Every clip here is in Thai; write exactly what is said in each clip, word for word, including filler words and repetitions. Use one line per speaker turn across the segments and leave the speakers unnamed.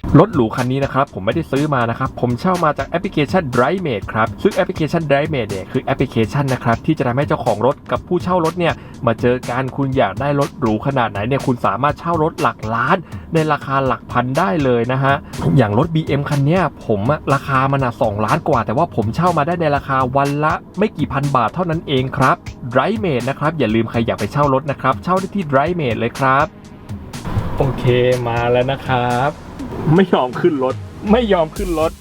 รถหรูคันนี้นะครับผมไม่ได้ซื้อมานะครับผมเช่ามาจากแอปพลิเคชัน DriveMate ครับซึ่งแอปพลิเคชัน DriveMate เนี่ยคือแอปพลิเคชันนะครับที่จะทำให้เจ้าของรถกับผู้เช่ารถเนี่ยมาเจอกันคุณอยากได้รถหรูขนาดไหนเนี่ยคุณสามารถเช่ารถหลักล้านในราคาหลักพันได้เลยนะฮะอย่างรถ บี เอ็ม คันนี้ผมราคามันอ่ะสองล้านกว่าแต่ว่าผมเช่ามาได้ในราคาวันละไม่กี่พันบาทเท่านั้นเองครับ DriveMate นะครับอย่าลืมใครอยากไปเช่ารถนะครับเช่าได้ที่ DriveMate เลยครับโอเคมาแล้วนะครับไม่ยอมขึ้นรถไม่ยอมขึ้นรถ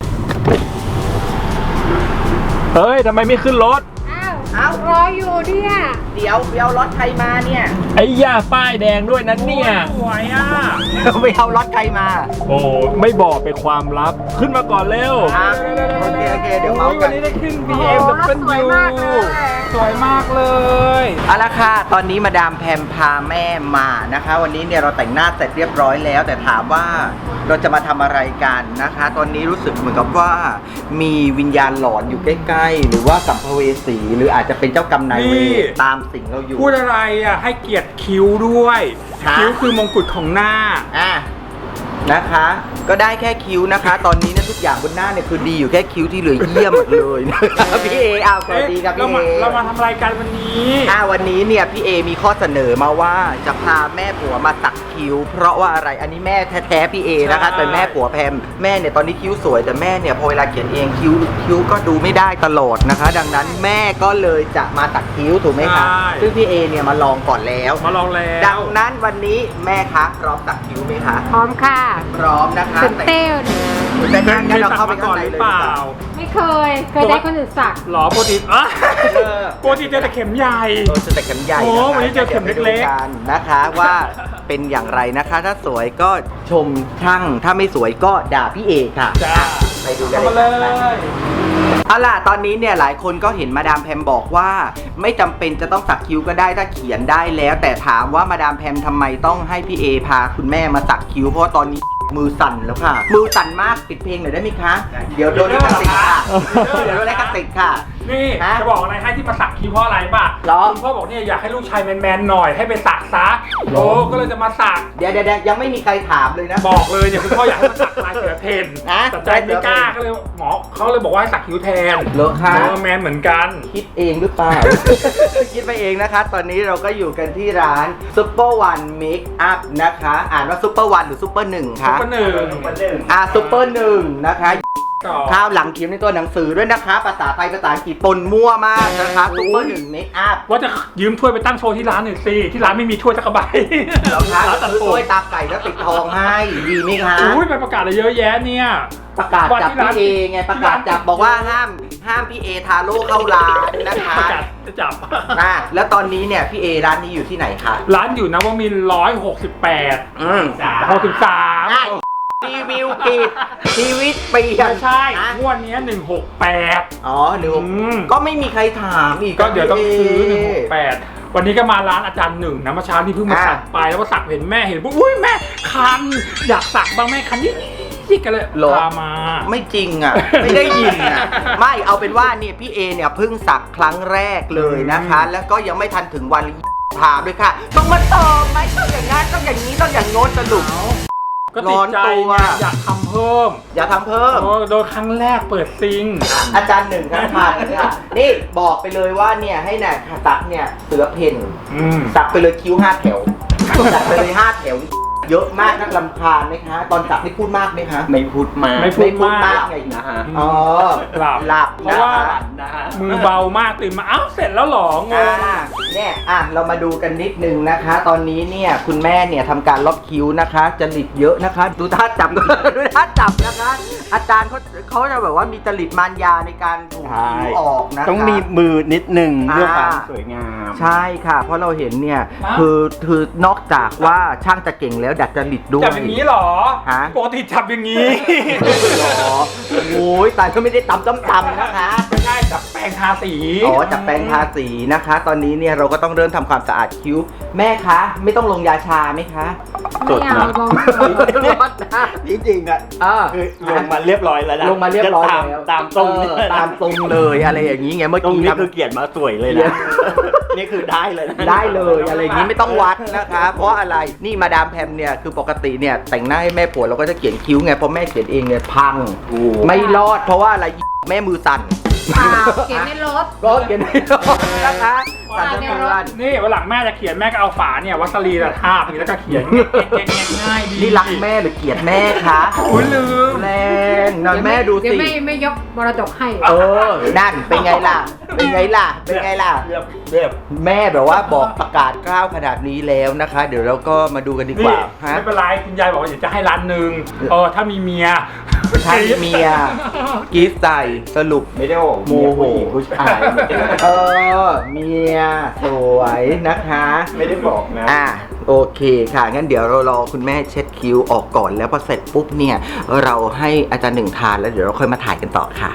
เฮ้ยทำไมไม่ขึ้นรถ
อ้าวเอารออยู่เนี่ย
เดี๋ยวเดี๋ยวรถใครมาเนี่ย
ไอ้ย่าป้ายแดงด้วยนั้นเนี่ย
สวยอ่ะไปเอารถใครมา
โอ้ไม่บอกเป็นความลับขึ้นมาก่อนเร็ว
โอเคโอเคเดี๋ยวเมาส์กัน
วันนี้ได้ขึ้น บี เอ็ม ดับเบิลยู
สวยมากเลยเอาละค่ะตอนนี้มาดามแพมพาแม่มานะคะวันนี้เนี่ยเราแต่งหน้าเสร็จเรียบร้อยแล้วแต่ถามว่าเราจะมาทำอะไรกันนะคะตอนนี้รู้สึกเหมือนกับว่ามีวิญญาณหลอนอยู่ใกล้ๆหรือว่าสัมภเวสีหรืออาจจะเป็นเจ้ากรรมนายเวรตามสิ่งเราอยู่
พูดอะไรอ่ะให้เกียรติคิ้วด้วยคิ้วคือมงกุฎของหน้า
อ่ะนะคะก็ได้แค่คิ้วนะคะตอนนี้เนี่ยทุกอย่างบนหน้าเนี่ยคือดีอยู่แค่คิ้วที่เหลือเยี่ยมหมดเลยนะครับพี่เออ้าวสวัสดีครับพี่เอ
เรามาทำรายการวันนี้
อ่าวันนี้เนี่ยพี่เอมีข้อเสนอมาว่าจะพาแม่ผัวมาสักคิ้วเพราะว่าอะไรอันนี้แม่แท้ๆพี่เอนะคะเป็นแม่ผัวแพมแม่เนี่ยตอนนี้คิ้วสวยแต่แม่เนี่ยพอเวลาเขียนเองคิ้วคิ้วก็ดูไม่ได้ตลอดนะคะดังนั้นแม่ก็เลยจะมาสักคิ้วถูกไหมคะซึ่งพี่เอเนี่ยมาลองก่อนแล้ว
มาลองแล้ว
ดังนั้นวันนี้แม่คะพร้อมสักคิ้วไหมคะ
พร้อมค่ะ
พร้อมนะคะ
ตื่นเต้น
แต่งั้นเราเข้าไปข้างในเลย
ไม่เคยเคยได้คนอื่นสัก
หรอโปรตีนอ่ะโปรตีนเจอแต่เข็มใหญ่
เออเจอแต่เข็มใหญ่
โอ้วันนี้เจอเข็มเล็ก
ๆนะคะว่าเป็นอย่างไรนะคะถ้าสวยก็ชมช่างถ้าไม่สวยก็ด่าพี่เอค่ะไปดูกันเลยเอาล่ะตอนนี้เนี่ยหลายคนก็เห็นมาดามแพมบอกว่าไม่จำเป็นจะต้องสักคิ้วก็ได้ถ้าเขียนได้แล้วแต่ถามว่ามาดามแพมทำไมต้องให้พี่เอพาคุณแม่มาสักคิ้วเพราะตอนนี้มือสั่นแล้วค่ะมือสั่นมากปิดเพลงหน่อยได้ไหมคะเดี๋ยวโดนลิขสิทธิ์ค่ะเดี๋ยวโดนลิขสิทธิ์ค่ะ
นี่จะบอกอะไรให้ที่มาสักคิ้วเพราะอะไรป่ะคุณพ่อบอกเนี่ยอยากให้ลูกชายแมนๆหน่อยให้ไปสักซะโอ้ก็เลยจะมาสัก
เดี๋ยวเดี๋ยวยังไม่มีใครถามเลยนะ
บอกเลยเนี่ยคุณพ่ออยากให้มาสักลายเสือเพนนะแต่ใจไม่กล้าก็เลยหมอเขาเลยบอกว่าให้สักคิ้วแทน
เลอะค่ะ
แมนเหมือนกัน
คิดเองหรือเปล่าคิดไปเองนะคะตอนนี้เราก็อยู่กันที่ร้านซุปเปอร์วันเมคอัพนะคะอ่านว่าซุปเปอร์วันหรือซุปเปอร์หนึ่งคะ
ซุปเปอร์หนึ่ง
อ่าซุปเปอร์หนึ่งนะคะข้าวหลังเขียนในตัวหนังสือด้วยนะคะภาษาไทยภาษาอังกฤษปนมั่วมากนะคะซุปเปอร์หนึ่งเมคอัพ
ว่าจะยืมถ้วยไปตั้งโชว์ที่ร้านหน่อยสิที่ร้านไม่มีถ้วยสักใบ
เราคะซื้อถ้วยตาไก่แล้วติดทองให้ดีไหมคะ
อุ้ยไปประกาศอะไรเยอะแยะเนี่ย
ประกาศจับพี่เอไงประกาศจับบอกว่าห้ามห้ามพี่เอทาโร่เข้าร้านนะคะ
ประกาศจะจับ
อ่ะแล้วตอนนี้เนี่ยพี่เอร้านนี้อยู่ที่ไหนคะ
ร้านอยู่นวมินทร์ร้อยหกสิบแปด
อืม
หกสิบสาม
รีวิวปิดชีวิตเปลี่ยน
ใช่งวดนี้หนึ่งหกแปด
อ๋อหนึ่งก็ไม่มีใครถามอีก
ก็เดี๋ยวต้องซื้อหนึ่งหกแปดวันนี้ก็มาร้านอาจารย์หนึ่งนะเมื่อเช้าที่เพิ่งมาสักไปแล้วก็สักเห็นแม่เห็นปุ๊บอุ้ยแม่คันอยากสักบ้างแม่คันนี่ที่กันเลยพามา
ไม่จริงอ่ะไม่ได้ยินอ่ะไม่เอาเป็นว่าเนี่ยพี่เอเนี่ยเพิ่งสักครั้งแรกเลยนะคะแล้วก็ยังไม่ทันถึงวันพาด้วยค่ะต้องมาเติมไหมต้องอย่างงั้นต้องอย่างนี้ต้องอย่างโน้นสรุป
ก็ติดใจอยากทำเพิ่ม
อยากทำเพิ่ม
โดยครั้งแรกเปิดซิง
อาจารย์หนึ่งท่านพาเนี่ยนี่บอกไปเลยว่าเนี่ยให้เนี่ยสักเนี่ยเสือเพนสักไปเลยคิ้วห้าแถวสักไปเลยห้าแถวเยอะมากนักลำคาญไหมคะตอนสักนี่พูดมากไหมคะ
ไม่พูดมาก
ไม่พูดมากไงนะฮะอ๋อ
หลับ
หลับ
เพราะว่ามือเบามากตื่นมาอ้าวเสร็จแล้วหรองง
เนี่ยอ่ะเรามาดูกันนิดนึงนะคะ ตอนนี้เนี่ยคุณแม่เนี่ยทำการลบคิ้วนะคะจริตเยอะนะคะดูท่าจับดูท่าจับนะคะอาจารย์เขาเขาจะแบบว่ามีจริตมารยาในการถูคิ้วออกนะคะ
ต้องมีมือนิดนึงเพื่อความสวยงาม
ใช่ค่ะเพราะเราเห็นเนี่ยคือคือนอกจากว่าช่างจะเก่งแล้วดัดจริตด้วย
จับอย่างนี้หรอปกติจับอย่างนี้
หรอโอ้ยแต่ก็ไม่ได้ตำตำๆนะคะ
ไม่ใช่จับแปรงทาสี
อ๋อจับแปรงทาสีนะคะตอนนี้เนี่ยเราก็ต้องเริ่มทำความสะอาดคิ้วแม่คะไม่ต้องลงยาชาไหมคะ
ไม่เอาลง
จริงๆอ่ะ
คือลงมาเรียบร้อยแล้วนะ
ลงมาเรียบร้อยแล้ว
ตามตรง
ตามตรงเลยอะไรอย่างนี้ไงเมื่อกี้
นี่คือเกียรติมาสวยเลยนะนี่คือได้เลย
ได้เลยอะไรอย่างนี้ไม่ต้องวัดนะคะเพราะอะไรนี่มาดามแพมเนี่ยเนี่ยคือปกติเนี่ยแต่งหน้าให้แม่ผัวเราก็จะเขียนคิ้วไงเพราะแม่เขียนเองเนี่ยพังไม่รอดเพราะว่าอะไรแม่มือสั่น
เปล่าเขียนในรถ
รถเขียนไม่รอดนะคะสั่นทั้งเดือน
นี่วันหลังแม่จะเขียนแม่ก็เอาฝาเนี่ยวัสลีนทาบนี่แล้วก็เขียนง่ายๆดี
นี่รักแม่หรือเกลียดแม่คะ
อุ้ยลืม
แรงนอนแม่ดู
เดี๋ยว
สิ
ไม่ไม่ยกมรดกให้
เออนั่นเป็นไงล่ะเป็นไงล่ะเป็นไงล่ะ
เรียบเรียบ
แม่แบบว่าบอกประกาศกล้าวขนาดนี้แล้วนะคะ เดี๋ยวเราก็มาดูกันดีก
นี่
ว่าฮะ
ไม่เป็นไรคุณยายบอกว่าเดี๋ยวจะให้ร้านหนึ่งเออถ้ามีเมีย
ถ้ามีเมียกรีดใส่สรุป
ไม่ได้บอก
โมโหผู้ชายเออเมียสวยนะคะ
ไม่ได้บอกนะ
อ่ะโอเคค่ะงั้นเดี๋ยวเรารอคุณแม่เช็ดคิ้วออกก่อนแล้วพอเสร็จปุ๊บเนี่ยเราให้อาจารย์หนึ่งทานแล้วเดี๋ยวเราค่อยมาถ่ายกันต่อค่ะ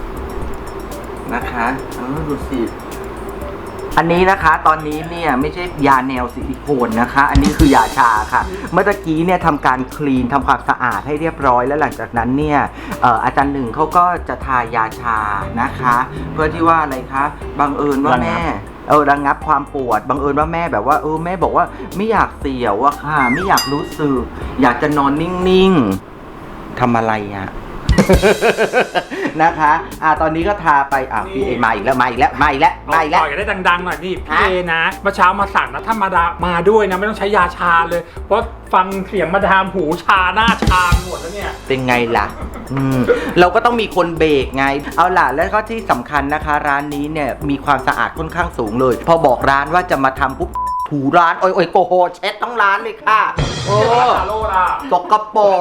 นะคะอ๋อดูสิอันนี้นะคะตอนนี้เนี่ยไม่ใช่ยาแนวซิลิโคนนะคะ อันนี้คือยาชาค่ะ เมื่อตะกี้เนี่ยทำการคลีนทำความสะอาดให้เรียบร้อยแล้วหลังจากนั้นเนี่ยเอ่ออาจารย์หนึ่งเขาก็จะทายาชานะคะ เพื่อที่ว่าอะไรคะบังเอิญว่าแม่เออระงับความปวดบังเอิญว่าแม่แบบว่าเออแม่บอกว่าไม่อยากเสียวอะค่ะไม่อยากรู้สึกอยากจะนอนนิ่งๆทำอะไรอะ นะคะอ่าตอนนี้ก็ทาไปอ่ะพี่เอมาอีกแล้วมาอีกแล้วมาอีกแล้วมาอีกแล้ว
ต่อยกันได้ดังๆหน่อยนี่พี่
ฮะ
เอนะเมื่อเช้ามาสั่งนะถ้ามาดามาด้วยนะไม่ต้องใช้ยาชาเลย เพราะฟังเสียงมาดามหูชาหน้าชาหมดแล้วเนี่ย
เป็นไงล่ะอืมเราก็ต้องมีคนเบรกไงเอาล่ะแล้วก็ที่สำคัญนะคะ ร้านนี้เนี่ยมีความสะอาดค่อนข้างสูงเลย พอบอกร้านว่าจะมาทำปุ๊บถูร้านโอ้ยโอ้ยโกโหเช็ดทั้งร้านเลยค่ะโอ้
ซาโลล่ะ
ตกกระโปรง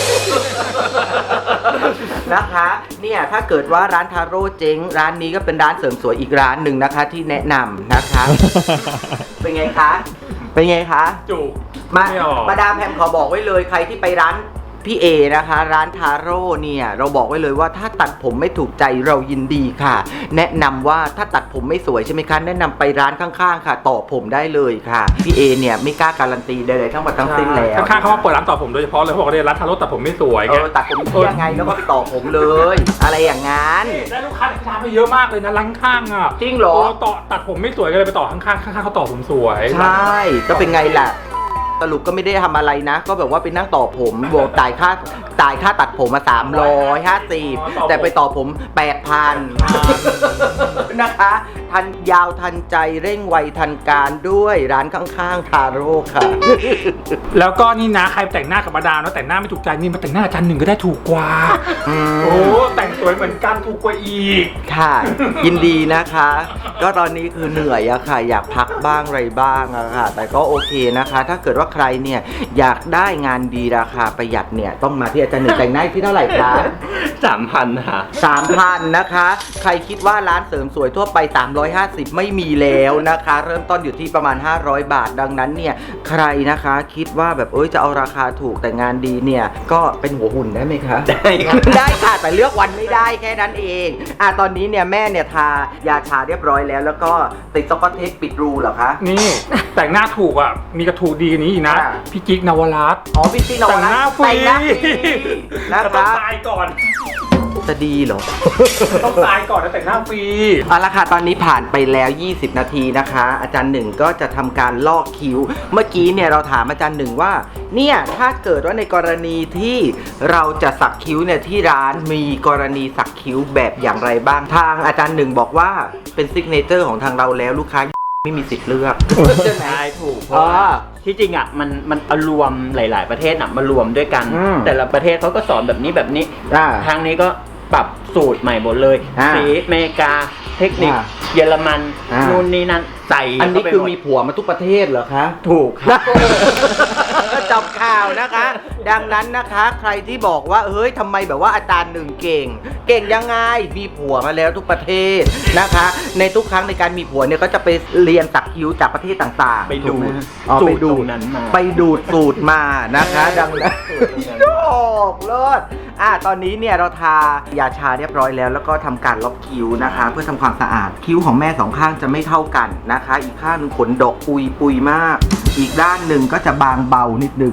นะคะเนี่ยถ้าเกิดว่าร้านทาโร่เจ๊งร้านนี้ก็เป็นร้านเสริมสวยอีกร้านหนึ่งนะคะ ที่แนะนำนะคะ เป็นไงคะเป็นไงคะ
จุก
มา
ไม่ออก
มาดามแพมขอบอกไว้เลยใครที่ไปร้านพี่เอนะคะร้านทาโร่เนี่ยเราบอกไว้เลยว่าถ้าตัดผมไม่ถูกใจเรายินดีค่ะ แนะนำว่าถ้าตัดผมไม่สวยใช่ไหมคะแนะนำไปร้านข้างๆค่ะต่อผมได้เลยค่ะพี่เอเนี่ยไม่กล้าการันตีใดๆทั้งหมดทั้งสิ้นแล้ว
ข้างๆเขามาเปิดร้านต่อผมโดยเฉพาะเลยเขาบอกว่าเนี่ยร้านทาโร่ตัดผมไม่สวย
เอ
ไง
อตัดผมเที่ยงไงแล้วก็ไปต่อผมเลย อะไรอย่างงั้น
ได้ลูกค้าที่ร้านไปเยอะมากเลยนะร้านข้างอ่ะ
จริงเหรอ
โต่อตัดผมไม่สวยก็เลยไปต่อข้างๆข้างๆเขาต่อผมสวย
ใช่ก็เป็นไงล่ะสรุปก็ไม่ได้ทำอะไรนะ ก็แบบว่าไปนั่งต่อผมบวกจ่ายค่าจ่ายค่าตัดผมมาสามร้อยห้าสิบแต่ไปต่อผมแปดพันนะคะทันยาวทันใจเร่งไวทันการด้วยร้านข้างๆทาโร่ค่ะ
แล้วก็นี่นะใครแต่งหน้ากับมาดามแล้วแต่งหน้าไม่ถูกใจนี่มาแต่งหน้าอาจารย์หนึ่งก็ได้ถูกกว่า
อืม
โอ้แต่งสวยเหมือนกันถูกกว่าอีก
ค่ะ ยินดีนะคะ ก็ตอนนี้คือเหนื่อยอะค่ะ อยากพักบ้างอะไรบ้างอะค่ะ แต่ก็โอเคนะคะ ถ้าเกิดว่าใครเนี่ยอยากได้งานดีราคาประหยัดเนี่ยต้องมาที่อาจารย์หนึ่งแต่งหน้าที่เท่าไหร่คะ
สามพันค่ะ
สามพันนะคะ ใครคิดว่าร้านเสริมสวยทั่วไปสามร้อยห้าสิบไม่มีแล้วนะคะ เริ่มต้นอยู่ที่ประมาณห้าร้อยบาทดังนั้นเนี่ยใครนะคะคิดว่าแบบเอ้ยจะเอาราคาถูกแต่งานดีเนี่ยก็เป็นหัวหุ่นได้ไหมคะ
ได้ค่ะ
ได้ค่ะแต่เลือกวันไม่ได้แค่นั้นเองอ่ะตอนนี้เนี่ยแม่เนี่ยทายาชาเรียบร้อยแล้ว แล้วก็ติดสกอตเทปปิดรูเหรอคะ
นี่แต่งหน้าถูกอ่ะมีกระถูกดีกว่านี้อีกนะ
อ่า
พี่จิ๊กนวรัตน์
อ๋อพี่ซีน
แต่งหน้าฟรี
แต่งหน้าฟรีนะ
แต่
ค
ต้อง
รับ
ตายก่อน
จะดีเหรอ
ต้องตายก่อนแล้วแต่งหน้าฟรี
เอาละค่ะตอนนี้ผ่านไปแล้วยี่สิบนาทีนะคะ อาจารย์หนึ่งก็จะทำการลอกคิ้ว เมื่อกี้เนี่ยเราถามอาจารย์หนึ่งว่าเนี่ยถ้าเกิดว่าในกรณีที่เราจะสักคิ้วเนี่ยที่ร้านมีกรณีสักคิ้วแบบอย่างไรบ้างทางอาจารย์หนึ่งบอกว่าเป็นซิกเนเจอร์ของทางเราแล้วลูกค้าไม่มีสิทธิ์เลือกใช่ไหม
ใช่ถูกเพ
อ๋
ราะ
อ
ว่าที่จริงอ่ะมันมันเอารวมหลาย ๆ ประเทศอ่ะมารวมด้วยกัน
อืม
แต่ละประเทศเขาก็สอนแบบนี้แบบนี้
อ่า
ทางนี้ก็ปรับสูตรใหม่หมดเลย
อ่า
สีอเมริกาเทคนิค
อ่า
เยอรมัน
อ่านู่
นู่นนี่นั่นใส่
อันนี้
เข้าไป
คือ
หด
มีผัวมาทุกประเทศเหรอคะ
ถูกครับ
จบข่าวนะคะ ดังนั้นนะคะ ใครที่บอกว่าเฮ้ยทำไมแบบว่าอาจารย์หนึ่งเก่ง เก่งยังไงมีผัวมาแล้วทุกประเทศนะคะ ในทุกครั้งในการมีผัวเนี่ยก็จะไปเรียนสักคิ้วจากประเทศต่างๆ
ไปดู
ถูกหมอ๋อ
สู
ไป
ตร
ดู
ตรงนั้นมา
ไปดูดสูตรมานะคะ ดังนั้นโอ้เลิศอ่ะตอนนี้เนี่ยเราทายาชาเรียบร้อยแล้ว แล้วก็ทำการลบคิ้วนะคะ เพื่อทำความสะอาดคิ้วของแม่สองข้างจะไม่เท่ากันนะคะ อีกข้างหนึงขนดกปุยปุยมาก อีกด้านหนึ่งก็จะบางเบานิดนึง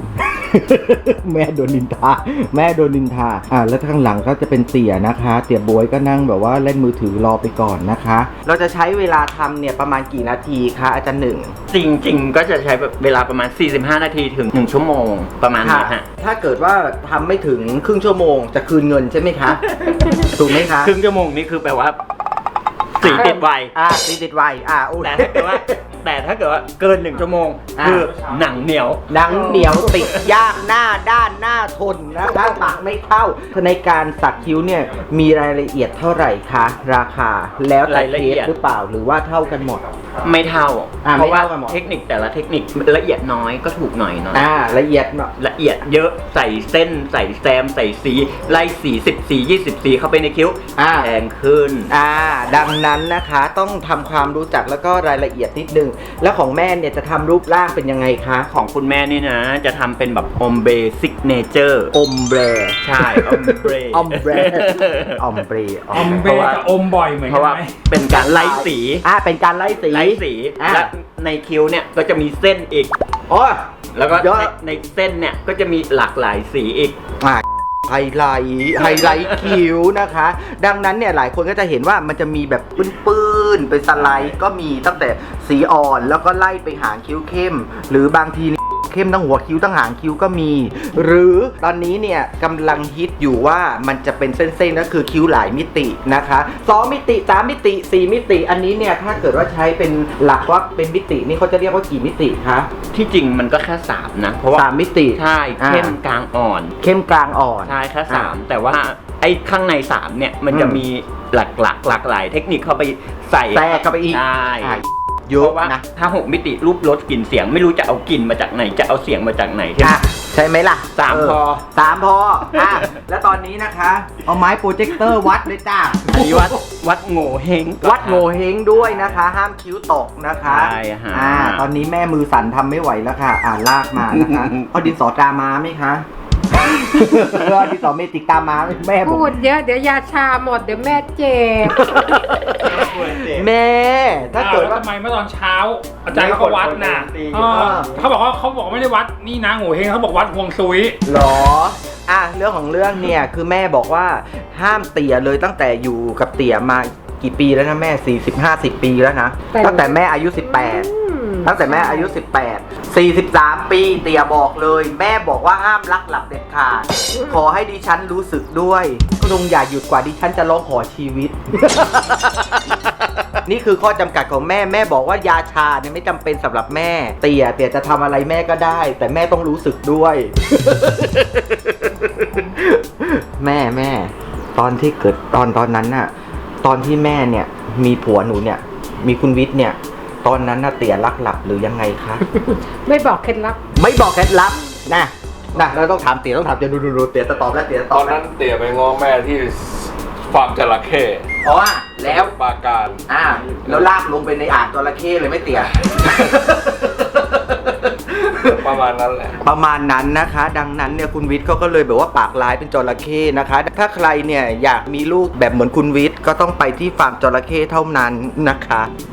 แม่โดนนินทาแม่โดนนินทาอ่าแล้วข้างหลังก็จะเป็นเตี่ยนะคะเตี่ยบวยก็นั่งแบบว่าเล่นมือถือรอไปก่อนนะคะ เราจะใช้เวลาทำเนี่ยประมาณกี่นาทีคะอาจารย์หนึ่ง
จริงๆ ก็จะใช้เวลาประมาณ สี่สิบห้า นาทีถึง หนึ่ง ชั่วโมงประมาณนี้ฮะ
ถ้าเกิดว่าทำไม่ถึงครึ่งชั่วโมงจะคืนเงินใช่ไหมคะ ถูกไหมคะ
ครึ่งชั่วโมงนี่คือแปลว่าสีติดไว
อ่าสีติดไวอ่าโอ้
แต่ถ้าเกิดว่าแต่ถ้าเกิดว่าเกินหนึ่งชั่วโมง
อ่า
คือหนังเหนียว
หนังเหนียวติดยากหน้าด้านหน้าทนนะคะปากไม่เข้าในการสักคิ้วเนี่ยมีรายละเอียดเท่าไหร่คะราคาแล้วแต่
รายละ
เค
เอี
ส
ยด
หรือเปล่าหรือว่าเท่ากันหมด
ไม่เท่า
อ่า
เพราะว่า
ไม่เท่ากันหมด
เทคนิคแต่ละเทคนิคละเอียดน้อยก็ถูกหน่อยหน่อย
อ่าละเอียดเนาะ
ละเอียดเยอะใส่เส้นใส่แซมใส่สีไล่สีสิบสียี่สิบสีเข้าไปในคิ้ว
อ่า
แพงขึ้น
อ่าดังนั้นนะคะต้องทำความรู้จักแล้วก็รายละเอียดนิดนึงแล้วของแม่เนี่ยจะทำรูปร่างเป็นยังไงคะ
ของคุณแม่นี่นะ จะทำเป็นแบบอมเบซิกเนเจอร์
อมเบร
ใช่อมเบร
อมเบรอมเบร
อมเบกับอมบ่อยเหมือน
เพ
กั
ราะ
น
ว่า
ไหม
เป็นการไล่สี
อ่าเป็นการไล่สี
ไล่สี
อ่า
และในคิ้วเนี่ยก็จะมีเส้นอีก
อ๋อ
แล้วก็
เยอะ
ในในเส้นเนี่ยก็จะมีหลากหลายสีอีก
อ่าไฮไลท์ไฮไลท์คิ้วนะคะ ดังนั้นเนี่ยหลายคนก็จะเห็นว่ามันจะมีแบบปื้นๆเป็นสไลด์ก็มีตั้งแต่สีอ่อนแล้วก็ไล่ไปหางคิ้วเข้ม หรือบางทีนี่เข้มทั้งหัวคิ้วทั้งหางคิ้วก็มี หรือตอนนี้เนี่ยกำลังฮิตอยู่ว่ามันจะเป็นเส้นๆก็คือคิ้วหลายมิตินะคะสองมิติสามมิติสี่มิติอันนี้เนี่ยถ้าเกิดว่าใช้เป็นหลักว่าเป็นมิตินี่เขาจะเรียกว่ากี่มิติคะ
ที่จริงมันก็แค่สามนะ เพราะว่า
สามมิติ
ใช่เข้มกลางอ่อน
เข้มกลางอ่อน
ใช่แค่สามแต่ว่าไอ้ข้างในสามเนี่ยมันจะ
อืม
มีหลากหลากหลากหลายเทคนิคเข้าไปใส่
แทรกเข้าไปอีก
ใช่
อ่ะเย
เพ
อะ
ราะว่า
นะ
ถ้าหกมิติรูปรสกลิ่นเสียงไม่รู้จะเอากลิ่นมาจากไหนจะเอาเสียงมาจากไหนใช่ไหม
อ่ะใช่ไหมล่ะ
สาม
เ
พอ
สามพออ่ะแล้วตอนนี้นะคะ เอาไม้โปรเจคเตอร์วัดเลยจ้า
อันนี้วัดวัดโง่เฮง
วัดโงเฮงด้วยนะคะ ห้ามคิ้วตกนะคะ
ใช่ฮะ
อ่าตอนนี้แม่มือสั่นทำไม่ไหวแล้วค่ะ อ่าลากมานะคะ เอาดินสอตรามาไหมคะเอาดินสอเมจิกตามาไหมแม่บอ
พู
ก
ดเยอะเดี๋ยวยาชาหมดเดี๋ยวแม่เจ็บ
แม่ ถ้าเกิด
อ้
ว่า
ทำไมเมื่อตอนเช้า อาจารย์เขาก็วัดน่ะ
ตี
เออเขาบอกว่าเขาบอกไม่ได้วัดนี่นะโง่เฮงเขาบอกวัดห่วงซุย
หรอ อ่ะเรื่องของเรื่องเนี่ยคือแม่บอกว่าห้ามเตี่ยเลยตั้งแต่อยู่กับเตี่ยมากี่ปีแล้วนะแม่สี่สิบ ห้าสิบปีแล้วนะ
แต่
ตั้งแต่แม่อายุสิบแปด
อืม
ตั้งแต่แม่อายุสิบแปด สี่สิบสามปีเตี่ยบอกเลย แม่บอกว่าห้ามลักหลับเด็ดขาดขอให้ดิฉันรู้สึกด้วยก็ลงอย่าหยุดกว่าดิฉันจะร้องขอชีวิต นี่คือข้อจำกัดของแม่แม่บอกว่ายาชาเนี่ยไม่จำเป็นสำหรับแม่เตี่ยเตี่ยจะทำอะไรแม่ก็ได้ แต่แม่ต้องรู้สึกด้วย แม่แม่ตอนที่เกิดตอนตอนนั้นน่ะตอนที่แม่เนี่ยมีผัวหนูเนี่ยมีคุณวิทย์เนี่ยตอนนั้นน่ะเตี่ยรักหลับหรือยังไงคะ
ไม่บอกเคล็ดลับ
ไม่บอกเคล็ดลับนะนะเราต้องถามเตี๋ยต้องถามเตี๋ยดูดูดูเตี๋ยจะตอบแล้วเตี๋ยจะต
ต
อ
อบ น
แล้ว
นั้นเตี่ยไปง้อแม่ที่ฟาร์มจระเข้
อ๋อแล้ว
ปราการ
อ่าแล้วลากลงไปในอ่างจระเข้เลยไหม่เตี๋ย
ประมาณนั้นแหละ
ประมาณนั้นนะคะ ดังนั้นเนี่ยคุณวิทย์เขาก็เลยแบบว่าปากร้ายเป็นจระเข้นะคะ ถ้าใครเนี่ยอยากมีลูกแบบเหมือนคุณวิทย์ก็ต้องไปที่ฟาร์มจระเข้เท่านั้นนะคะ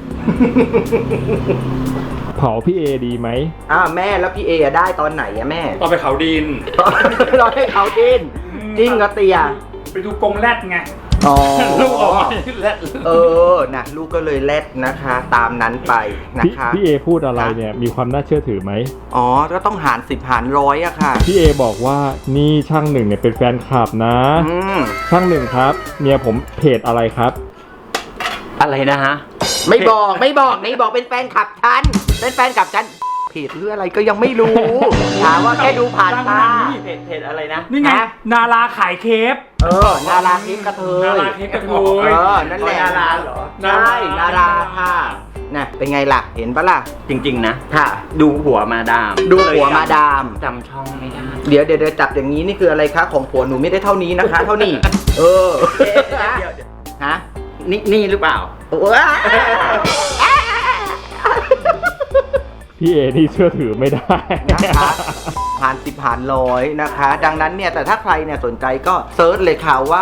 เผาพี่เอดีไหม
อ้าวแม่แล้วพี่เออะได้ตอนไหนอะแม่
ตอนไปเขาดิน
เราให้เขาดินจริงเหรอเตีย
ไปดูกรงแรดไง
อ๋อ
ลูกออกมาแรด
เออนะลูกก็เลยแลดนะคะ ตามนั้นไปนะ
พี่
คะ
พี่เอพูดอะไรเนี่ยมีความน่าเชื่อถือไหม
อ๋อก็ต้องหารสิบหารร้อยอะค่ะ
พี่เอบอกว่านี่ช่างหนึ่งเนี่ยเป็นแฟนคลับนะ
อืม
ช่างหนึ่งครับเมียผมเพจอะไรครับ
อะไรนะฮะ
ไม่บอกไม่บอกนี่บอกเป็นแฟนคลับฉันเป็นแฟนคลับฉันเพจหรืออะไรก็ยังไม่รู้ ถามว่าแค่ดูผ่านตา
เพจเพจอะไรนะ
นี่ไง
ฮะ
นาราขายเคฟ
เออนาราทิพย์กระเท
นาย ราเคฟกระโถ
เอย อนั่นแหละ
นาราเหรอ
ใช่นาราค่ะนะเป็นไงล่ะเห็นปะล่ะ
จริง ๆ นะ
ค่ะ
ดูหัวมาดาม
ดูหัวมาดาม
จำช่องไม่ได้
เดี๋ยวเดี๋ยวเดี๋ยวจับอย่างนี้นี่คืออะไรคะของผัวหนูไม่ได้เท่านี้นะคะ เท่านี้ เออ
เดี๋ยวเดี๋ยว
ฮะ
นี่นี่หรือเปล่า
ว้า
พี่เอนี่เชื่อถือไม่ได้
นะคะผ่านสิบผ่านร้อยนะคะ ดังนั้นเนี่ยแต่ถ้าใครเนี่ยสนใจก็เซิร์ชเลยค่ะว่า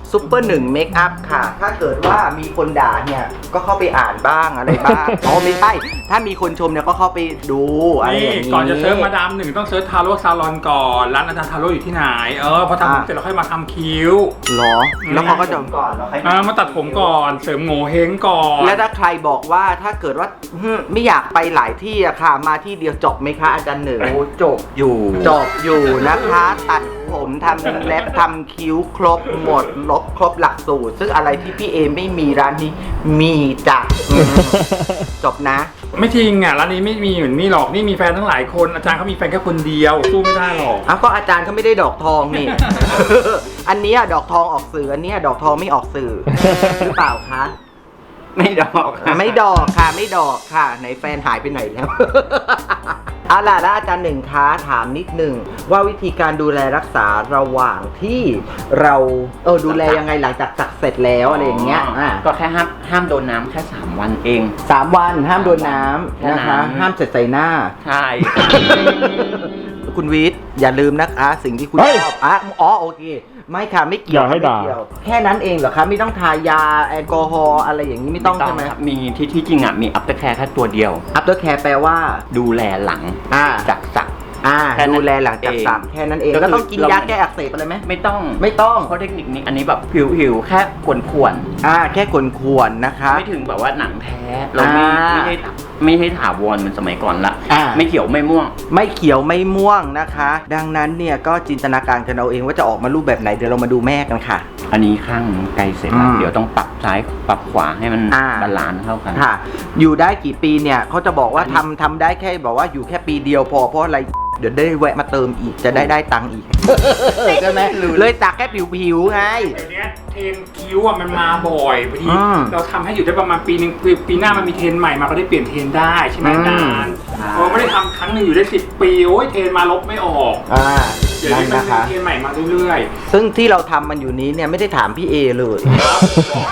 ซุปเปอร์หนึ่งเมคอัพค่ะ ถ้าเกิดว่ามีคนด่าเนี่ยก็เข้าไปอ่านบ้างอะไรบ้าง อ๋อไม่ใช่ถ้ามีคนชมเนี่ยก็เข้าไปดูอะไรอย่างนี้
ก่อนจะเซิร์ชมาดามหนึ่งต้องเซิร์ชทาโร่ซาลอนก่อนร้านอาจารย์ทาโร่อยู่ที่ไหนเออพอทำผมเสร็จเราค่อยมาทำคิ้ว
หรอแล้วเขาก็จะก่อน
อ่ามาตัดผมก่อนเสริมโง่เฮงก่อน
และถ้าใครบอกว่าถ้าเกิดว่าหึไม่อยากไปหลายที่อะค่ะ มาที่เดียวจบไหมคะอาจารย์หนึ่ง
โอ้จบอยู่
จบอยู่นะคะ ตัดผมทำเล็บทำคิ้วครบหมดลบครบหลักสูตร ซึ่งอะไรที่พี่เอไม่มีร้านนี้มีจ้ะอืมจบนะ
ไม่จริงอ่ะร้านนี้ไม่มีเหมือนนี่หรอกนี่มีแฟนทั้งหลายคนอาจารย์เขามีแฟนแค่คนเดียวสู้ไม่ได้หรอก
อ้าวก็อาจารย์เขาไม่ได้ดอกทองนี่ อันเนี้ยดอกทองออกสื่ออันเนี้ยดอกทองไม่ออกสื่อ หรือเปล่าคะ
ไม่ดอกค่ะ
ไม่ดอกค่ะไม่ดอกค่ะไหนแฟนหายไปไหนแล้ว เอาล่ะแล้วอาจารย์หนึ่งคะถามนิดหนึ่งว่าวิธีการดูแลรักษาระหว่างที่เราเออดูแลยังไงหลังจากสักเสร็จแล้วอะไรอย่างเงี้ยอ่ะ
ก็แค่ห้ามห้ามโดนน้ำแค่สามวันเอง
สามวันห้ามโดนน้ำนะคะ
แค่นั้น
ห้ามเสร็จใส่หน้า
ใช่
คุณวิทย์อย่าลืมนะคะสิ่งที่คุณ
เฮ้ย
ชอบอ่ะอ๋อโอเค ไม่ค่ะไม่เกี่ยว
อย่าให้
ไม่
ด่า
เกี่ยวแค่นั้นเองเหรอคะไม่ต้องทายาแอลกอฮอล์อะไรอย่างนี้ไม่ต้องใช่ไหม
ครับมีที่ที่จริงอ่ะมีอัปเตอร์แคร์แค่ตัวเดียว
อัปเตอร์แคร์แปลว่า
ดูแลหลัง
อ่า
จากสัก
อ่า
แค่นั้น
ดูแลหลังจากสัก
เอง
แค่นั้นเอง
ก็คือ
แล้วต้องกิน
เรา
ยาแก้อักเสบอะไรไหม
ไม่ต้อง
ไม่ต้อง
เพราะเทคนิคนี้อันนี้แบบผิวผิวแค่ขวนขวน
อ่าแค่ควรๆนะคะ
ๆไม่ถึงแบบว่าหนังแท้เราไม่
อ่า
ไม่ให้ไม่ให้ถาวรเหมือนสมัยก่อนละ
อ่า
ไม่เขียวไม่ม่วง
ไม่เขียวไม่ม่วงนะคะ ดังนั้นเนี่ยก็จินตนาการกันเอาเองว่าจะออกมารูปแบบไหนเดี๋ยวเรามาดูแม่กันค่ะ
อันนี้ข้างไกลเสร็จแล้ว
อืม
เดี๋ยวต้องปรับซ้ายปรับขวาให้มัน
อ่า
บาลานซ์เท่ากัน
ค่ะ อยู่ได้กี่ปีเนี่ยเขาจะบอกว่าทำทำได้แค่บอกว่าอยู่แค่ปีเดียวพอเพราะอะไรเดี๋ยวได้แวะมาเติมอีกจะได้ได้ตังค์อีก ใช่ไหมเลยตักแค่ผิวๆไง
เดี๋ยวนี้เทรนคิ้วอ่ะมันมาบ่อยบางที
อืม
เราทำให้อยู่ได้ประมาณปีนึงปีปีหน้ามันมีเทรนใหม่มาก็ได้เปลี่ยนเทรนได้ใช่ไหม
อืม
อาจารย์พอไม่ได้ทำครั้งหนึ่งอยู่ได้สิบปีโอ้ยเทรนมาลบไม่ออก
อ่า
เดี๋ยว
นั่
นี้
น
มัน
นะคะ
มีเทรนใหม่มาเรื่อย
ซึ่งที่เราทำมันอยู่นี้เนี่ยไม่ได้ถามพี่เอเลย
ๆครับ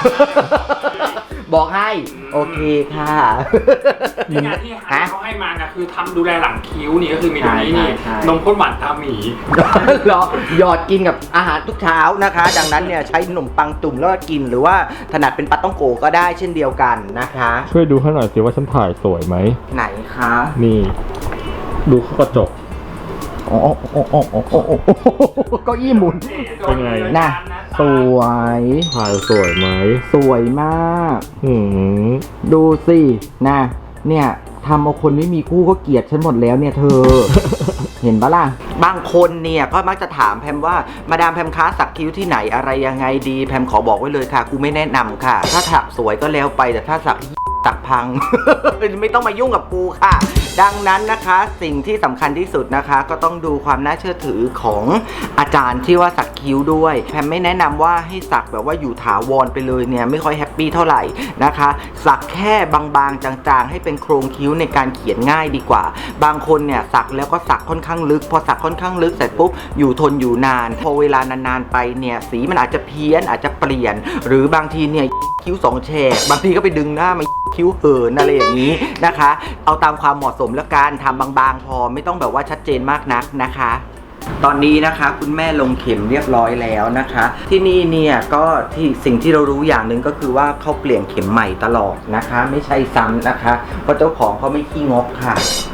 บอกให้ โอเคค่ะ
นี่งานที่
ฮะ
เขาให้มานะคือทำดูแลหลังคิ้วนี่ก็คือมีตรงนี้นี่
ใช่ใช่
นมข้นหวานตาหมี
เหรอหยอดกินกับอาหารทุกเช้านะคะ ดังนั้นเนี่ยใช้ขนมปังตุ่มแล้วก็กินหรือว่าถนัดเป็นปาต้องโกก็ได้เช่นเดียวกันนะคะ
ช่วยดูให้หน่อยสิว่าฉันถ่ายสวยไหม
ไหนคะ
นี่ ดูเข้ากระจก
โอ้โอ้โอ้โอ้โอ้โอ้โอ้เก็อี้หมุน
เป็นไง
น่ะ สวย
ถ่ายสวยไหม
สวยมาก
หืม
ดูสินะเนี่ยทำเอาคนไม่มีคู่ก็เกลียดฉันหมดแล้วเนี่ยเธอ เห็นปะล่ะ บางคนเนี่ยก็มักจะถามแพมว่ามาดามแพมค้าสักคิ้วที่ไหนอะไรยังไงดีแพมขอบอกไว้เลยค่ะกูไม่แนะนำค่ะ ถ้าถักสวยก็แล้วไปแต่ถ้าสัก สักพัง ไม่ต้องมายุ่งกับกูค่ะ ดังนั้นนะคะสิ่งที่สำคัญที่สุดนะคะ ก็ต้องดูความน่าเชื่อถือของอาจารย์ที่ว่าสักคิ้วด้วยแพมไม่แนะนำว่าให้สักแบบว่าอยู่ถาวรไปเลยเนี่ยไม่ค่อยแฮปปี้เท่าไหร่นะคะ สักแค่บางๆจางๆ ให้เป็นโครงคิ้วในการเขียนง่ายดีกว่า บางคนเนี่ยสักแล้วก็สักค่อนข้างลึก พอสักค่อนข้างลึกเสร็จปุ๊บอยู่ทนอยู่นานพอเวลานานๆไปเนี่ยสีมันอาจจะเพี้ยนอาจจะเปลี่ยน หรือบางทีเนี่ยคิ้วสองแฉกบางทีก็ไปดึงหน้ามาคิ้วเหินอะไรอย่างนี้นะคะ เอาตามความเหมาะสมแล้วกันทำบางๆพอไม่ต้องแบบว่าชัดเจนมากนักนะคะ ตอนนี้นะคะคุณแม่ลงเข็มเรียบร้อยแล้วนะคะ ที่นี่เนี่ยก็ที่สิ่งที่เรารู้อย่างหนึ่งก็คือว่าเขาเปลี่ยนเข็มใหม่ตลอดนะคะ ไม่ใช่ซ้ำนะคะเพราะเจ้าของเขาไม่ขี้งกค่ะ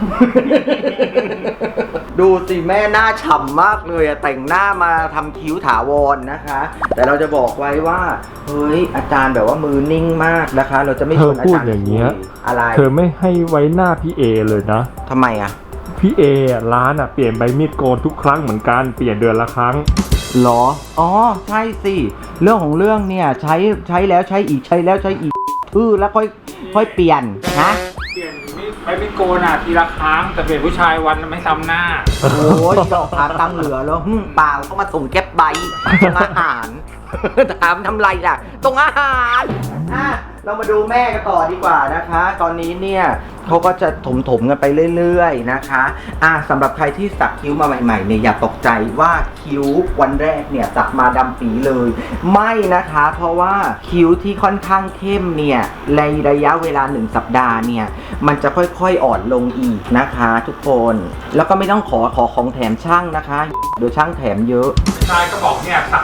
ดูสิแม่หน้าฉ่ำมากเลยอะแต่งหน้ามาทำคิ้วถาวรนะคะ แต่เราจะบอกไว้ว่าเฮ้ยอาจารย์แบบว่ามือนิ่งมากนะคะ เราจะไม่ชวนอาจารย์
เธอพูดอย่างเงี้ย
คุอะไร
เธอไม่ให้ไว้หน้าพี่เอเลยนะ
ทำไมอะ
พี่เออะร้านอะเปลี่ยนใบมีดโกนทุกครั้งเหมือนกัน เปลี่ยนเดือนละครั้ง
หรอ อ๋อ ใช่สิ เรื่องของเรื่องเนี่ยใช้ใช้แล้วใช้อีกใช้แล้วใช้อีกทื่อแล้วค่อยค่อยเปลี่ยนนะ
เปลี่ยนไม่ไปไม่โกนอ่ะทีละครั้งแต่เปลี่ยนผู้ชายวันละไม่ซ้ำหน้า
โอ้ยดอกถามตังเหลือแล้วหึ่มเปล่าเขามาส่งแก๊ปไบต์ส่งอาหาร ถามทำไรล่ะส่งอาหารอ่ะเรามาดูแม่กันต่อดีกว่านะคะ ตอนนี้เนี่ยเขาก็จะถมๆกันไปเรื่อยๆนะคะอ่ะสำหรับใครที่สักคิ้วมาใหม่ๆเนี่ยอย่าตกใจว่าคิ้ววันแรกเนี่ยสักมาดำปีเลย ไม่นะคะ เพราะว่าคิ้วที่ค่อนข้างเข้มเนี่ยในระยะเวลาหนึ่งสัปดาห์เนี่ยมันจะค่อยๆอ่อนลงอีกนะคะ ทุกคนแล้วก็ไม่ต้องขอขอของแถมช่างนะคะเดี๋ยวช่างแถมเยอะ
ชายก็บอกเนี่ยสักไป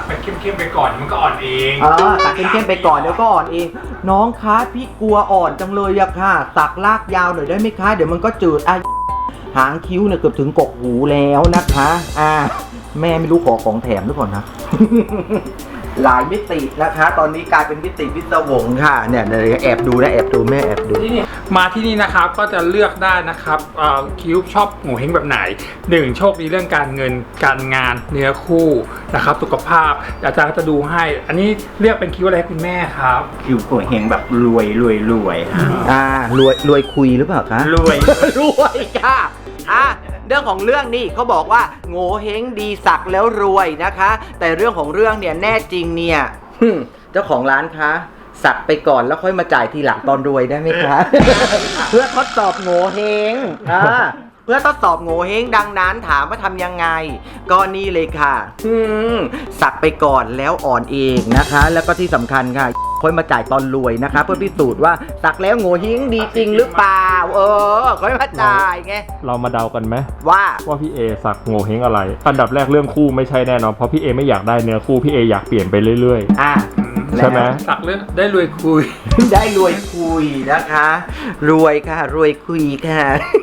เข้มๆไปก่อนมันก็อ่อนเอง
เออสักเข้มๆไปก่อนเดี๋ยวก็อ่อนเอง น้องคะพี่กลัวอ่อนจังเลยอะค่ะสักลากยาวหน่อยได้ไหมคะเดี๋ยวมันก็จืดอ่ะหางคิ้วเนี่ยเกือบถึงกกหูแล้วนะคะอ่าแม่ไม่รู้ขอของแถมหรือเปล่านะ หลายมิตินะคะ ตอนนี้กลายเป็นมิติพิศวงค่ะเนี่ยเดี๋ยวแอบดูนะแอบดูแม่แอบดู
ที่นี่มาที่นี่นะครับก็จะเลือกได้นะครับเอ่อคิ้วชอบโงเ่เฮงแบบไหนหนึ่งโชคดีเรื่องการเงินการงานเนื้อคู่นะครับสุขภาพอาจารย์ก็จะดูให้ อันนี้เลือกเป็นคิ้วอะไรให้คุณแม่ครับ
คิวโกเฮงแบบรวยรวยรวยฮะ
อ่ารวยรวยคุยหรือเปล่าคะ
รวย
รวยค่ะอ่ะเรื่องของเรื่องนี่เขาบอกว่าโง่เฮงดีสักแล้วรวยนะคะ แต่เรื่องของเรื่องเนี่ยแน่จริงเนี่ยหึ่มเจ้าของร้านคะสักไปก่อนแล้วค่อยมาจ่ายทีหลังตอนรวยได้ไหมคะ เพื่อทดสอบโง่เฮงอ่าเพื่อทดสอบโง่เฮงดังนั้นถามว่าทำยังไงก็นี่เลยค่ะอืมสักไปก่อนแล้วอ่อนเองนะคะ แล้วก็ที่สำคัญค่ะค่อยมาจ่ายตอนรวยนะคะ เพื่อพิสูจน์ว่าสักแล้วโง่เฮงดีจริงหรือเปล่าเออค่อยมาจ่ายไง
เรามาเดากันไหม
ว่า
ว่าพี่เอสักโงเฮงอะไร อันดับแรกเรื่องคู่ไม่ใช่แน่นอนเพราะพี่เอไม่อยากได้เนื้อคู่พี่เออยากเปลี่ยนไปเรื่อย
อ่ะ
ใช่ไหม
สักเรื่องได้รวยคุย
ได้รวยคุยนะคะ รวยค่ะ รวยคุยค่ะ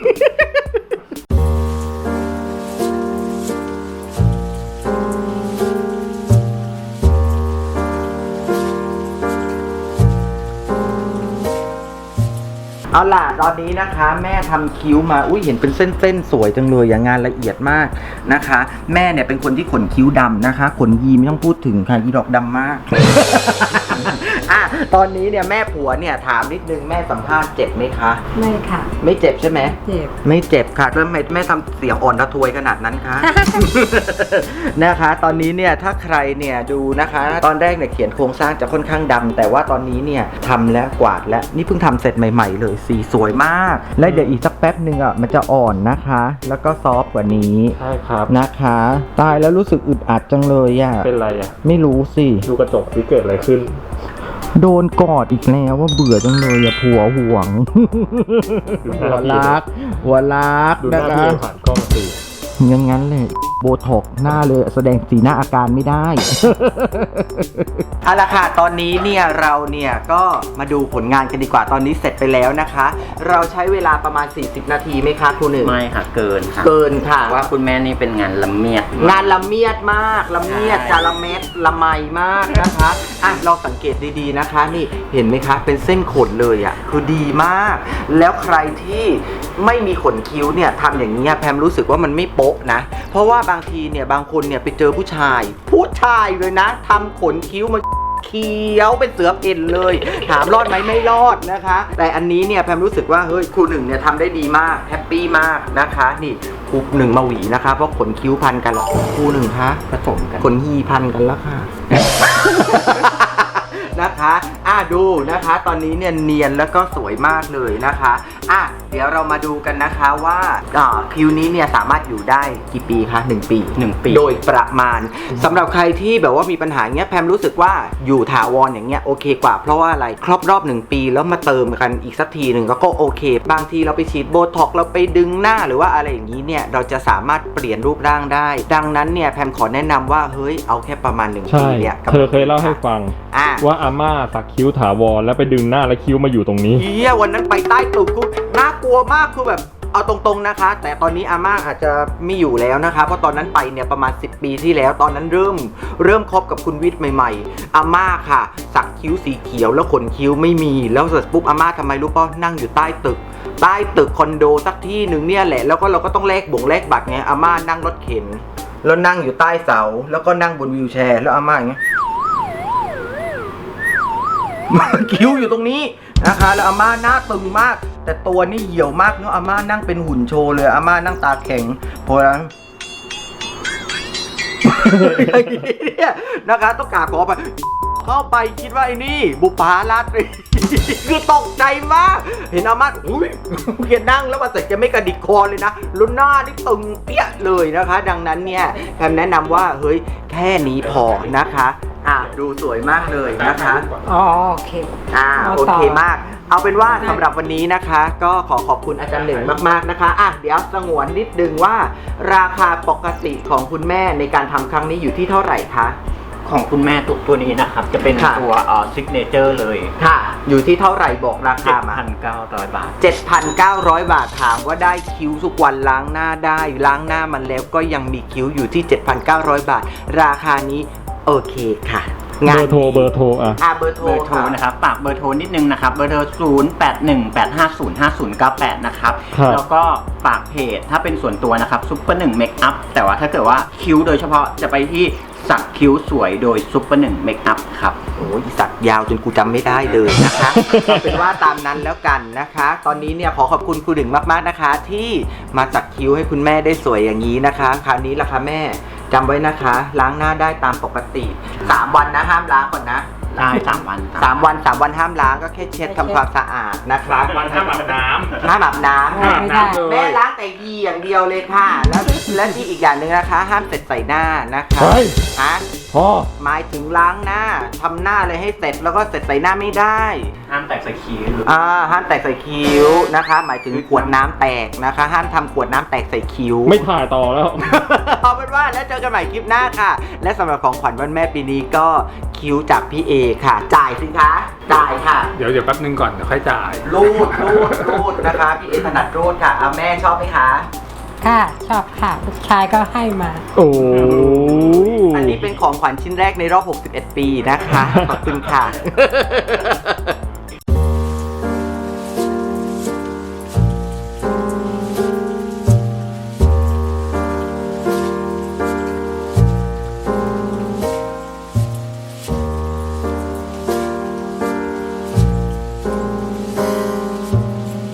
เอาล่ะตอนนี้นะคะ แม่ทำคิ้วมาอุ้ยเห็นเป็นเส้นๆสวยจังเลยอย่างงานละเอียดมากนะคะ แม่เนี่ยเป็นคนที่ขนคิ้วดำนะคะ ขนยีไม่ต้องพูดถึงค่ะยีดอกดำมาก อ่ะตอนนี้เนี่ยแม่ผัวเนี่ยถามนิดนึงแม่สัมภาษณ์เจ็บไหมคะ
ไม่ค่ะ
ไม่เจ็บใช่ไหม
เจ็บ
ไม่เจ็บค่ะแล้วทำไมแม่ทำเสียงอ่อนระทวยขนาดนั้นคะ นะคะ ตอนนี้เนี่ยถ้าใครเนี่ยดูนะคะ ตอนแรกเนี่ยเขียนโครงสร้างจะค่อนข้างดำแต่ว่าตอนนี้เนี่ยทำแล้วกวาดแล้วนี่เพิ่งทำเสร็จใหม่ๆเลยสีสวยมาก และเดี๋ยวอีกสักแป๊บหนึ่งอ่ะมันจะอ่อนนะคะ แล้วก็ซอฟต์กว่านี้
ๆ ใช่ครับ
นะคะ ตายแล้วรู้สึกอึดอัดจังเลยอ่ะ
เป็นไรอ่ะ
ไม่รู้สิ
ดูกระจกสิเกิดอะไรขึ้น
โดนกอดอีกแล้วว่าเบื่อจังเลยอะผัวห่วง หัวรัก หัวรัก
ดูห
นะ
น้า
คะ
พี่เอผ่านกล้องสิ
อย่างงั้นเลยโบท็อกหน้าเลยแสดงสีหน้าอาการไม่ได้ เอาละค่ะตอนนี้เนี่ยเราเนี่ยก็มาดูผลงานกันดีกว่าตอนนี้เสร็จไปแล้วนะคะ เราใช้เวลาประมาณสี่สิบนาทีไหมคะครูหนึ่ง
ไม่ค่ะเกินค่ะ
เกินค่ะ
ว่าคุณแม่นี่เป็นงานละเมียด
งานละเมียดมากละเมียด
ใช่
จาละเม็ดละไมมากนะคะอ่ะลองสังเกตดีๆนะคะ นี่เห็นไหมคะ เป็นเส้นขนเลยอ่ะคือดีมาก แล้วใครที่ไม่มีขนคิ้วเนี่ยทำอย่างนี้ยแพมรู้สึกว่ามันไม่โป๊ะนะเพราะว่าบางทีเนี่ยบางคนเนี่ยไปเจอผู้ชายผู้ชายเลยนะทำขนคิ้วมาเขียวเป็นเสือเพ่นเลย ถามรอดไหมไม่รอดนะคะ แต่อันนี้เนี่ยแพมรู้สึกว่าเฮ้ยครูหนึ่งเนี่ยทำได้ดีมากแฮปปี้มากนะคะนี่ครูหนึ่งมาหวีนะคะเพราะขนคิ้วพันกันหรอกครูหนึ่งคะ
ผสมกัน
ขนฮีพันกันแล้วค่ะ นะคะอ่ะดูนะคะ ตอนนี้เนี่ยเนียนแล้วก็สวยมากเลยนะคะอ่ะเดี๋ยวเรามาดูกันนะคะว่าอ่าคิวนี้เนี่ยสามารถอยู่ได้กี่ปีคะหนึ่งปี
หนึ่งปี
โดยประมาณสำหรับใครที่แบบว่ามีปัญหาเงี้ยแพมรู้สึกว่าอยู่ถาวรอย่างเงี้ยโอเคกว่าเพราะว่าอะไรครอบรอบหนึ่งปีแล้วมาเติมกันอีกสักทีหนึ่งก็โอเค บางทีเราไปฉีดโบท็อกซ์เราไปดึงหน้าหรือว่าอะไรอย่างนี้เนี่ยเราจะสามารถเปลี่ยนรูปร่างได้ ดังนั้นเนี่ยแพมขอแนะนำว่าเฮ้ยเอาแค่ประมาณหนึ่ง
ใช่
ปีเนี่ย
เธอเคยเล่าให้ฟัง
อ่ะ
ว่าอาม่าสักคิ้วถาวรแล้วไปดึงหน้าแล้วคิ้วมาอยู่ตรงนี้
เฮียวันนั้นไปใต้ตึกกูน่ากลัวมากคือแบบเอาตรงๆนะคะ แต่ตอนนี้อาม่าอาจจะไม่อยู่แล้วนะคะเพราะตอนนั้นไปเนี่ยประมาณสิบปีที่แล้วตอนนั้นเริ่มเริ่มคบกับคุณวิทย์ใหม่ๆอาม่าค่ะสักคิ้วสีเขียวแล้วขนคิ้วไม่มีแล้วเสร็จปุ๊บอาม่าทำไมรู้ป่ะนั่งอยู่ใต้ตึกใต้ตึกคอนโดสักที่หนึ่งเนี่ยแหละแล้วก็เราก็ต้องแลกบ่งแลกบัตรไงอาม่านั่งรถเข็นแล้วนั่งอยู่ใต้เสาแล้วก็นั่งบนวีลแชร์แล้วอาม่าอย่างเงี้ย คิ้วอยู่ตรงนี้นะคะแล้วอาม่าหน้าตึงมากแต่ตัวนี่เหี่ยวมากเนาะอาม่านั่งเป็นหุ่นโชว์เลยอาม่านั่งตาแข็งเพราะฉะนั้น อย่างนี้เนี่ยนะคะต้องกราบขอไปเข้าไปคิดว่าไอ้นี่บุปผาราตรี คือตกใจมากเห็นอาม่าอุ้ยแกนั่งแล้วมาเสร็จแกไม่กระดิกคอเลยนะแล้วหน้านี่ตึงเปี้ยเลยนะคะ ดังนั้นเนี่ยแพมแนะนำว่าเฮ้ยแค่นี้พอนะคะอ่ะดูสวยมากเลยนะคะ
อ๋อโอเค
อ่า
เอา
โอ
ต่อ
เคมาก เอาเป็นว่าสำหรับวันนี้นะคะ ก็ขอขอบคุณอาจารย์หนึ่งมากๆนะคะอ่ะเดี๋ยวสงวนนิดนึงว่าราคาปกติของคุณแม่ในการทำครั้งนี้อยู่ที่เท่าไหร่คะ
ของคุณแม่ตัวตัวนี้นะครับ จะเป็น
ค่ะ
ตัวเอ่อซิกเนเจอร์เลย
ค่ะ อยู่ที่เท่าไหร่บอกราคามา
เจ็ดพันเก้าร้อย บาท
เจ็ดพันเก้าร้อย บาทถามว่าได้คิ้วทุกวันล้างหน้าได้ล้างหน้ามันแล้วก็ยังมีคิ้วอยู่ที่ เจ็ดพันเก้าร้อย บาท ราคานี้โอเคค่ะ
เบอร์โทรเบอร์โทรอ่ะ
อ่ะเบอร์โทร
เบอร์โทร
ค่ะ
นะครับฝากเบอร์โทรนิดนึงนะครับ เบอร์โทร ศูนย์ แปด หนึ่ง แปด ห้า ศูนย์ ห้า ศูนย์ เก้า แปด นะครับ
ครับ
แล้วก็ฝากเพจถ้าเป็นส่วนตัวนะครับซุปเปอร์หนึ่งเมคอัพแต่ว่าถ้าเกิดว่าคิ้วโดยเฉพาะจะไปที่สักคิ้วสวยโดยซุปเปอร์หนึ่งเมคอัพครับ
โอ้ยสักยาวจนกูจำไม่ได้เลยนะคะ เอาเป็นว่าตามนั้นแล้วกันนะคะ ตอนนี้เนี่ยขอขอบคุณครูดึงมากๆนะคะ ที่มาสักคิ้วให้คุณแม่ได้สวยอย่างนี้นะคะ คราวนี้ล่ะคะแม่จำไว้นะคะ ล้างหน้าได้ตามปกติสามวันนะห้ามล้างก่อนนะ
ได้สามวัน
สามวันสามวันห้ามล้างก็แค่เช็ดทำความสะอาดนะครับ
วันห้ามอาบน้ำ
ห้ามอาบน้ำ
ห้ามอาบน้ำเลย
แม่ล้างแต่ยีอย่างเดียวเลยค่ะ แล้วและที่อีกอย่างหนึ่งนะคะ ห้ามเสร็จใส่หน้านะคะ
เฮ้ย
ฮะ
พ่อ
หมายถึงล้างหน้าทำหน้าเลยให้เสร็จแล้วก็เสร็จใส่หน้าไม่ได้
ห้ามแตกใส่คิ้ว
อ่าห้ามแตกใส่คิ้วนะคะ หมายถึงขวดน้ำแตกนะคะ ห้ามทำขวดน้ำแตกใส่คิ้ว
ไม่ถ่ายต่อแล้ว
เอาเป็นว่าแล้วเจอกันใหม่คลิปหน้าค่ะ และสำหรับของขวัญวันแม่ปีนี้ก็คิ้วจากพี่เอค่ะ จ่ายสิคะจ่ายค่ะ
เดี๋ยวเดี๋ยวแป๊บนึงก่อนเดี๋ยวค่อยจ่าย
รูดรูดรูดนะคะ พี่เอถนัดรูดค่ะเอาแม่ชอบไหมคะ
ค่ะชอบค่ะลูกชายก็ให้มา
โอ้
อันนี้เป็นของขวัญชิ้นแรกในรอบ หกสิบเอ็ด ปีนะคะ ขอบคุณค่ะ